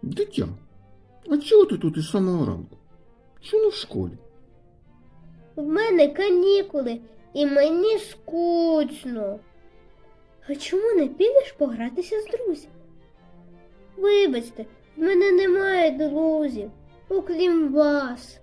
Дитя, а чого ти тут із самого ранку? Чому не в школі? В мене канікули і мені скучно. А чому не підеш погратися з друзями? Вибачте, в мене немає друзів, окрім вас.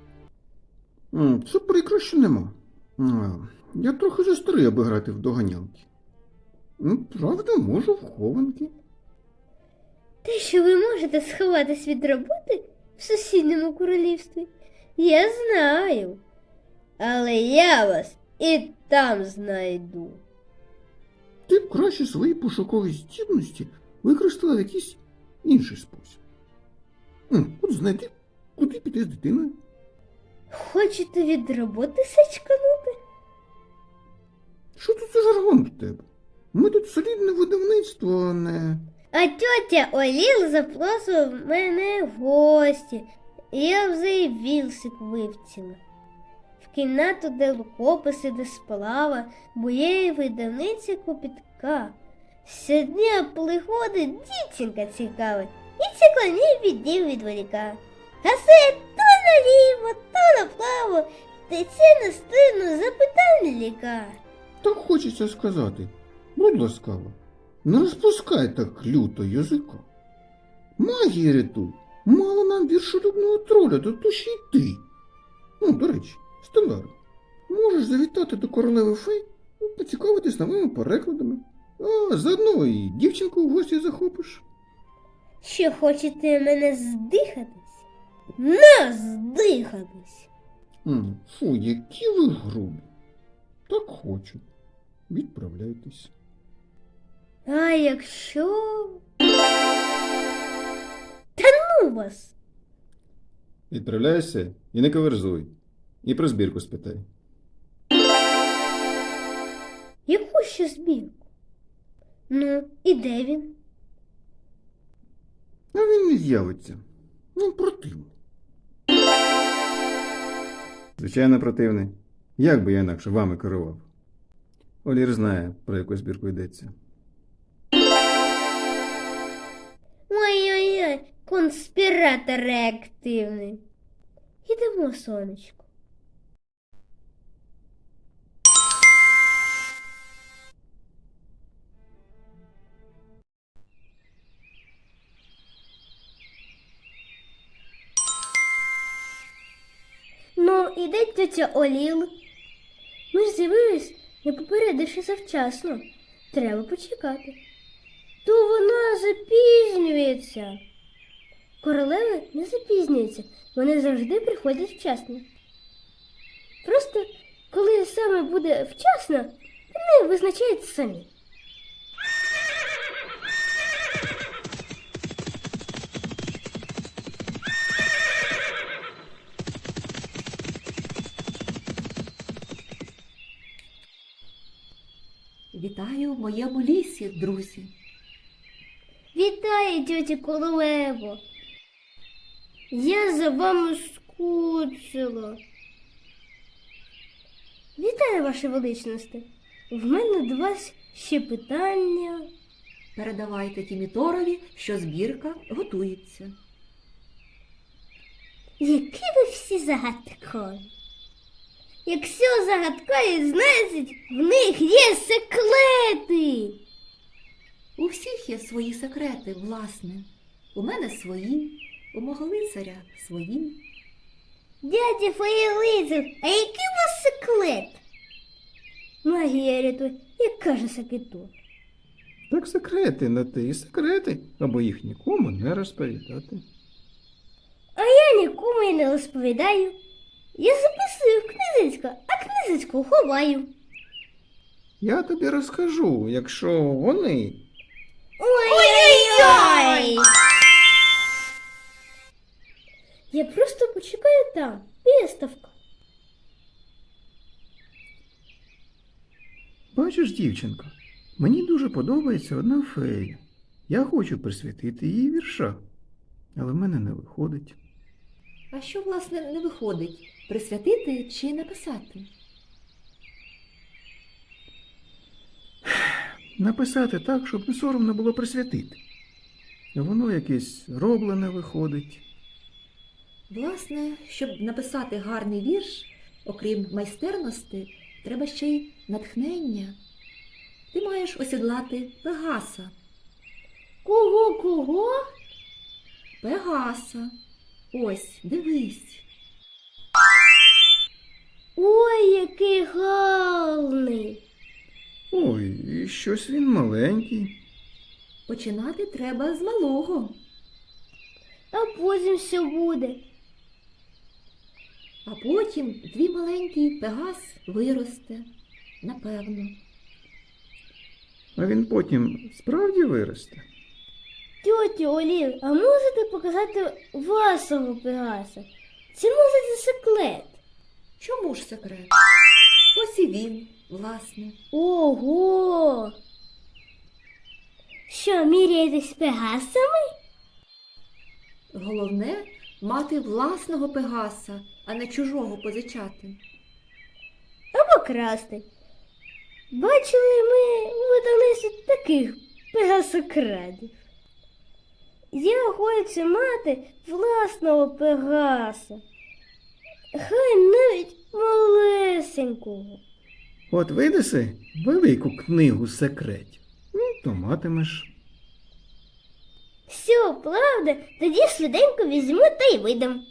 Це прикро, що нема. Я трохи застарий, аби грати в доганялки. Правда, можу в хованки. Те, що ви можете сховатись від роботи в сусідньому королівстві, я знаю. Але я вас і там знайду. Ти б краще свої пошукові здібності використала в якийсь інший спосіб. От знайди, куди піти з дитиною. Хочете від роботи сачканути? Що тут за жаргон в тебе? Ми тут солідне видавництво, а не... А тьотя Оліл запросив мене в гості, і я вже й вілсик вивчила. В кімнату, де рукописи, де сплава, бо є й видавниця копітка. Щодня приходить дівчинка цікава, і циклонів відділ відволіка. Гасе то наліво, то направо, тече на стину запитань лікар. Так хочеться сказати, будь ласкава, не розпускай так люто язика. Магія рятуй, мало нам віршолюбного троля, то то ще й ти. До речі, Стелларо, можеш завітати до королеви фей, поцікавитись новими перекладами, а заодно і дівчинку в гості захопиш. Що хочете мене здихатись? На здихатись! Фу, які ви грубі. Так хочу. Відправляйтесь. А якщо... Та ну вас! Відправляйся і не каверзуй. І про збірку спитай. Яку ще збірку? Ну, і де він? А він не з'явиться. Він противний. Звичайно, противний. Як би я інакше вами керував? Олір знає, про яку збірку йдеться. Ой-ой-ой, конспіратор реактивний. Ідемо, сонечко. Ну, іде тетя Оліл. Ми ж з'явились, не попередивши завчасно. Треба почекати. То вона запізнюється. Королеви не запізнюються, вони завжди приходять вчасно. Просто, коли саме буде вчасно, вони визначають самі. Вітаю в моєму лісі, друзі. Вітаю, тьоті королево. Я за вами скучила. Вітаю, ваше величносте. В мене до вас ще питання. Передавайте Тіміторові, що збірка готується. Які ви всі загадкові. Якщо загадкові, значить, в них є секрети. У всіх є свої секрети, власне. У мене свої, у мого лицаря свої. Дядя Фаєлизер, а який у вас секрет? Магія рятує, як каже Сакіту. Так секрети на те і секрети, або їх нікому не розповідати. А я нікому і не розповідаю. Я записую в книжечко, а книжечку ховаю. Я тобі розкажу, якщо вони... Ой-ой-ой! Я просто почекаю там, біля ставка. Бачиш, дівчинко, мені дуже подобається одна фея. Я хочу присвятити її вірша, але в мене не виходить. А що, власне, не виходить? Присвятити чи написати? Написати так, щоб не соромно було присвятити. Воно якесь роблене виходить. Власне, щоб написати гарний вірш, окрім майстерності, треба ще й натхнення. Ти маєш осідлати Пегаса. Кого? Пегаса. Ось, дивись. Ой, який гарний. Ой, і щось він маленький. Починати треба з малого, А потім що буде? а потім твій маленький Пегас виросте, напевно. А він потім справді виросте. Тьотю Олів, а можете показати вашого Пегаса? Це може це секрет? Чому ж секрет? Ось і він, власне. Ого! Що, міряєтесь з Пегасами? Головне мати власного Пегаса, а не чужого позичати. Або красти. Бачили ми в Одесі таких пегасокрадів. Я хочу мати власного Пегаса. Хай навіть малесенького. От видаси велику книгу секретів. Ну, то матимеш. Все, правда, тоді швиденько візьму та й видам.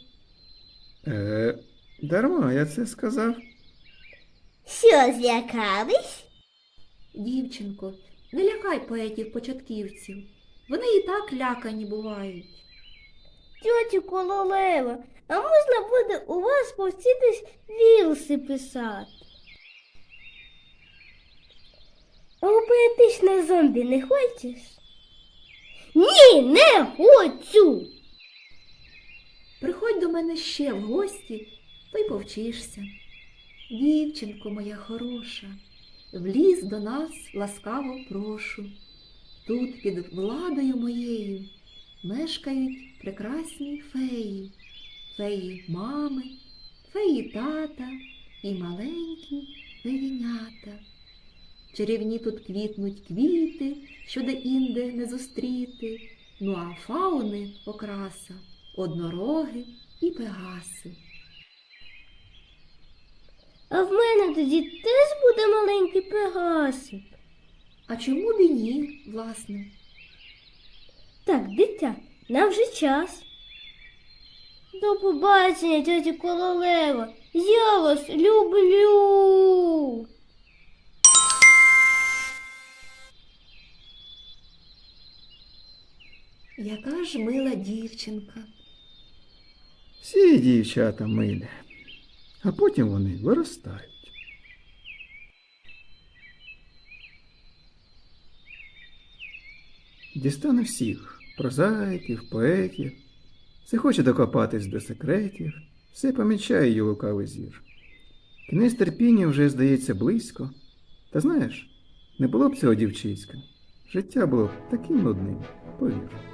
Дарма я це сказав. Що, злякались? Дівчинко, не лякай поетів-початківців. Вони і так лякані бувають. Тьотю Кололева, а можна буде у вас повчитись вірси писати? А у поетичне зомбі не хочеш? Ні, не хочу! Приходь до мене ще в гості, то й повчишся. Дівчинко моя хороша, в ліс до нас ласкаво прошу. Тут під владою моєю мешкають прекрасні феї. Феї мами, феї тата і маленькі феїнята. Чарівні тут квітнуть квіти, що де-інде не зустріти, ну а фауни окраса, однороги і пегаси. А в мене тоді теж буде маленький Пегасик. А чому б і ні, власне? Так, дитя, нам вже час. До побачення, тьотю Кололева. Я вас люблю. Яка ж мила дівчинка. Всі дівчата милі, а потім вони виростають. Дістане всіх прозаїків, поетів, все хоче докопатись до секретів, все помічає її лукавий зір. Кінець терпіння вже здається близько. Та знаєш, не було б цього дівчиська. Життя було б таким нудним, повір.